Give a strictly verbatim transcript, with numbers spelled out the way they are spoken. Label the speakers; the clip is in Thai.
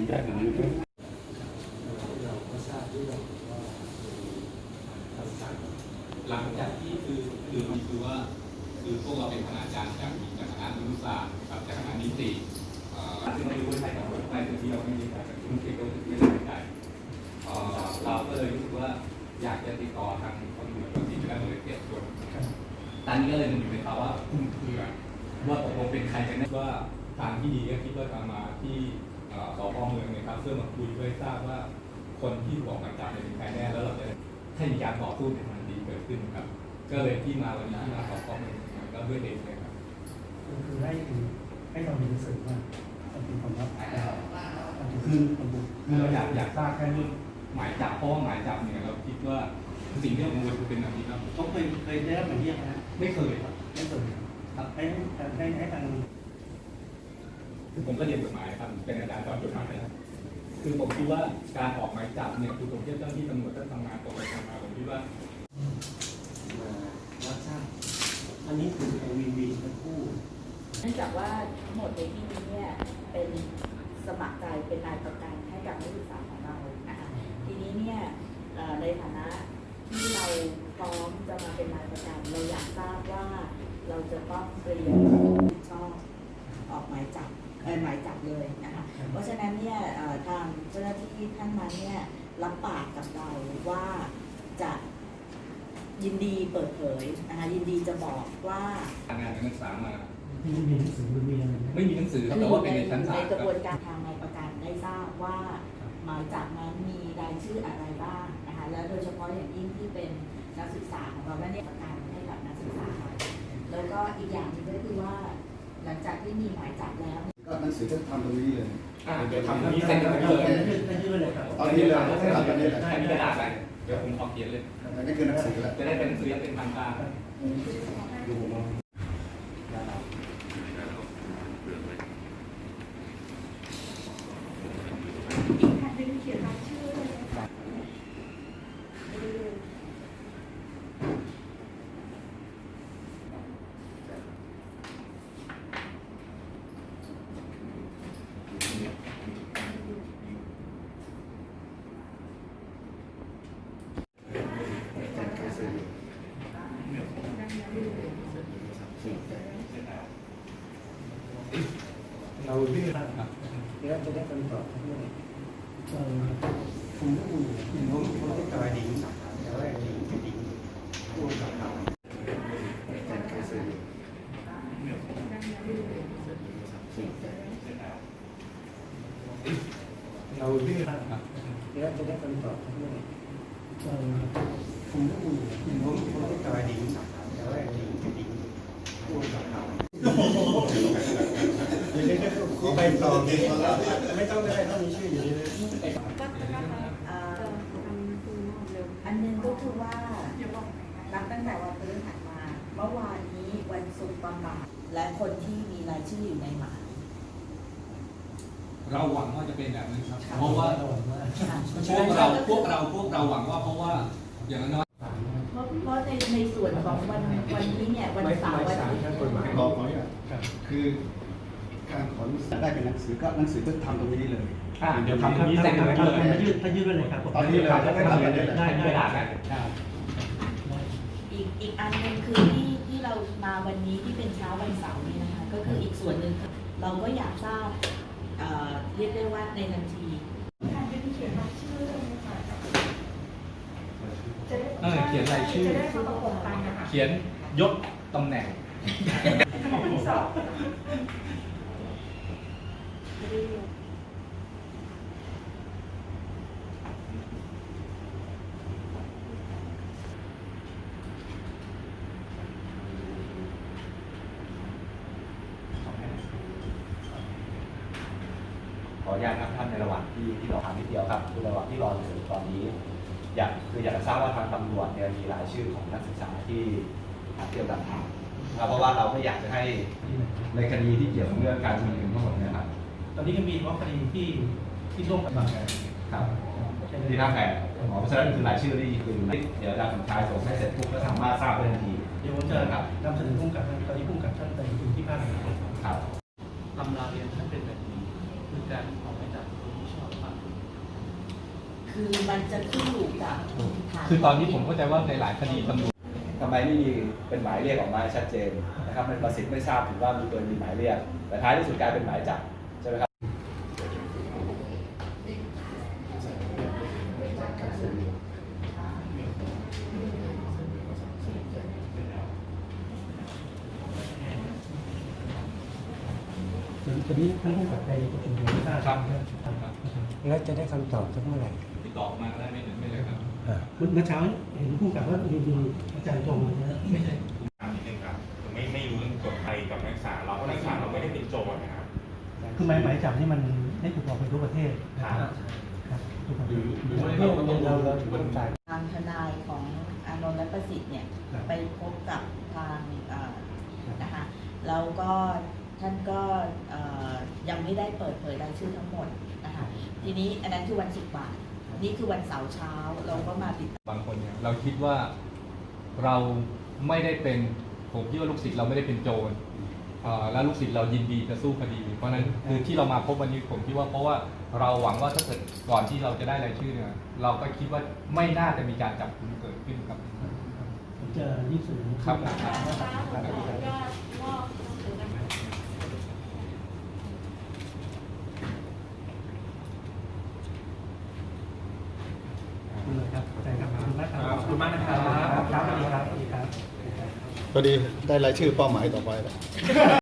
Speaker 1: ได้หรือไม่
Speaker 2: หลังจากที่คือคือคือว่าคือพวกเราเป็นคณาจารย์จากจากคณะนิติศาสตร์กับจากคณะนิติซึ่งเรารู้ใช่กับในส่วนที่เราไม่มีการคุณคิดก็ไม่ได้ใจเราก็เลยรู้สึกว่าอยากจะติดต่อทางคนอื่นที่จะได้เลยเก็บส่วนตอนนี้ก็เลยมันอยู่ในภาวะคุ้มเครือว่าตกลงเป็นใครกันแน่ว่าทางที่ดีก็คิดว่าจะมาที่สพเมืองนะครับเพื่อมาคุยเพื่อทราบว่าคนที่ถูกออกหมายจับเป็นใครแน่แล้วเราจะให้มีการต่อสู้ในทางดีเกิดขึ้นครับก็เลยที่มาวันนี้ที่มาสพเมืองก็ด้วยเด็กเลยครับ
Speaker 3: คือให้ให้เรามีหนังสือว่าเป็นความลับ
Speaker 2: คือคือเราอยากอยากทราบแค่เรื่องหมายจับเพราะว่าหมายจับเนี่ยเราคิดว่าสิ่งที่เรากังวลคือเป็นแบบนี้ครับ
Speaker 3: เขาเคยเคยได้รับหมายเรียกนะ
Speaker 2: ไม่เคยครับ
Speaker 3: ไม่เคยครับให้ให้ให้ทาง
Speaker 2: คือผมก็เรียนกฎหมายครับเป็นอาจารย์สอนกฎหมายนะครับคือผมคิดว่าการออกหมายจับเนี่ยคือผมเทียบเจ้าที่ตำรวจท่านทำงานตรงไปทำมาผมคิดว่า
Speaker 3: รับทราบอันนี้คือวีวีทั้งคู่
Speaker 4: เนื่องจากว่าทั้งหมดในที่นี้เนี่ยเป็นสมัครใจเป็นนายประกันให้กับนักศึกษาของเรานะคะทีนี้เนี่ยในฐานะที่เราพร้อมจะมาเป็นนายประกันเราอยากทราบว่าเราจะต้องเตรียมชอบออกหมายจับเออหมายจับเลยนะคะเพราะฉะนั้นเนี่ยทางเจ้าหน้าที่ท่านนั้นเนี่ยรับปากกับเราว่าจะยินดีเปิดเผยนะคะยินดีจะบอกว่า
Speaker 2: ทางานนักศึกษามา
Speaker 3: ไม่มีหนังสือไม่มีอะไร
Speaker 2: ไม่มีหนังสือแต่ว่าเป็นในชั้นศาล
Speaker 4: ในกระบวนการทางนายประกันได้ทราบว่าหมายจับนั้นมีรายชื่ออะไรบ้างนะคะแล้วโดยเฉพาะอย่างยิ่งที่เป็นนักศึกษาของเราและเนี่ยประกันให้กับนักศึกษาแล้วก็อีกอย่างหนึ่งก็คือว่าหลังจากที่มีหมายจับแล้ว
Speaker 1: ก็หนังสือก็ทำตรงนี้เลย
Speaker 2: เดี๋ยวทำตรงนี้เซ็นกันเลย
Speaker 1: ตอนนี้เลยทำกันเลย
Speaker 2: ใช่มีกระดาษอะไรเดี๋ยวผมขอเขียนเลย
Speaker 1: นี่คือหนังสือแล้ว
Speaker 2: จะได้เป็นหนังสือเป็นทางการ
Speaker 1: ดู
Speaker 3: เราเลือกครับเดี๋ยวจะได้คำตอบทั้งหมดผมรู้ผมรู้ผมรู้ตัวดีแต่ว่าดีไม่ดีตัวกับเขาเราเลือกครับเดี๋ยวจะได้คำตอบทั้งหมดผมรู้ผมรู้ผมรู้ตัวดีแต่ว่าดีไม่ดีตัวกับเขาไปต่อไม่ต้องได้ต้องมีชื่ออยู่ดี
Speaker 4: อันนึงก็คือว่านับตั้งแต่วันพฤหัสมาเมื่อวานนี้วันศุกร์ประมาณและคนที่มีรายชื่ออยู่ในหมาย
Speaker 2: เราหวังว่าจะเป็นแบบนั้นครับเพราะว่าพวกเราพวกเราพวกเราหวังว่าเพราะว่าอย่างน้อย
Speaker 4: เพราะเพราะในในส่วนของวันวันนี้เนี่ยวันเสาร์วันอาทิตย์
Speaker 1: คือการขอหนังสือได้เป็นหนังสือก็หนังสือก็ทำตรงนี้เลย
Speaker 2: เดี๋ยวทำตรงนี้เซ็นกันเลย
Speaker 3: ถ้ายืดถ้ายืดไปเลยครับ
Speaker 1: ตอนนี้เลยจะได้ทำกันได้
Speaker 2: ได้ได้ได้
Speaker 4: อีกอีกอันนึงคือที่ที่เรามาวันนี้ที่เป็นเช้าวันเสาร์นี่นะคะก็คืออีกส่วนหนึ่งเราก็อยากทราบเรียกได้ว่าในทันที
Speaker 2: เออเขียนรายชื่อเขียนยศตำแหน่ง
Speaker 5: ขออนุญาตครับท่านในระหว่างที่ที่เราทำนิดเดียวครับคือระหว่างที่รอหนังสือตอนนี้อยากคืออยากจะทราบว่าทางตำรวจเนี่ยมีรายชื่อของนักศึกษาที่เกี่ยวกับเพราะว่าเราไม่อยากจะให้ในคดีที่เกี่ยวกับเรื่องการชุมนุมทั้งหมดนะครับ
Speaker 3: ตอนนี้ก็มีเพราะคดีที่ที่ร่วมกับบางแสน
Speaker 5: ครับที่ท่าแพอ๋อเพราะฉะนั้นคือรายชื่อที่คือเดี๋ยวอาจารย์สมชายส่งให้เสร็จปุ๊บก็สามารถทราบได้ทันที
Speaker 3: เดี๋ยวผมจะนำเสนอพุ่งกับตอนนี้พุ่งกับท่านไปที่ภาคไหน
Speaker 5: ครับ
Speaker 6: ตำราเรียนท่านเป็นแบบนี้คือการออกหมายจับโดยมิชอบ
Speaker 4: คือมันจะขึ้นอยู่กับฐาน
Speaker 2: คือตอนนี้ผมเข้าใจว่าในหลายคดีตำรวจ
Speaker 5: ทำไมไม่มีเป็นหมายเรียกออกมาชัดเจนนะครับมันประสิทธิ์ไม่ทราบถึงว่ามีตัวมีหมายเรียกแต่ท้ายที่สุดกลายเป็นหมายจับใช่ไหมครับ
Speaker 3: ตอนนี้ท่านผู้กับไปประชุมหัวหน้า
Speaker 2: ครับ
Speaker 3: แล้วจะได้คำตอบสักเมื่อไหร่
Speaker 2: ติดต่อมาได้ไม่ถึงไม่เลยครับ
Speaker 3: เมื่อเช้าเห็นผู้กับว่ามีมีอาจารย์ตรงนะไม่ใช่
Speaker 6: ถามนิดนึงครับคือไม่ไม่รู้เรื่องกฎไทยกับนักศึกษาเราเพราะนักศึกษาเราไม่ได้เป็นโจรนะครับ
Speaker 3: คือหมายหมายจับนี่มันได้ถูกออกไปทั่วประเทศนะครับครับทุกประเทศ
Speaker 2: หรือว่าเราก็ต้อง
Speaker 3: เราเราต้องจ่าย
Speaker 4: ทางทนายของอานนท์และประสิทธิ์เนี่ย
Speaker 3: ครับ
Speaker 4: ไปพบกับทางเอ่อนะคะแล้วก็ท่านก็เอ่อยังไม่ได้เปิดเผยรายชื่อทั้งหมดนะคะทีนี้อันนั้นคือวันศุกร์บ่ายนี่คือวันเสาร์เช้าเราก็มาติด
Speaker 2: บางคนเนี่ยเราคิดว่าเราไม่ได้เป็นผมคิดว่าลูกศิษย์เราไม่ได้เป็นโจรเอ่อและลูกศิษย์เรายินดีจะสู้คดี เพราะฉะนั้นคือที่เรามาพบวันนี้ผมคิดว่าเพราะว่าเราหวังว่าถ้าเกิดก่อนที่เราจะได้รายชื่อเนี่ยเราก็คิดว่าไม่น่าจะมีการจับกุมเกิดขึ้นครับ
Speaker 3: ผมจะยื่นเสนอ
Speaker 2: ครับ
Speaker 3: คุณเลยครับอาจารย์ครับขอบคุณมากครับขอบคุณมากนะครับครับสวัสดีครับสวัสดีครับ
Speaker 1: พอดีได้รายชื่อเป้าหมายต่อไปแล้ว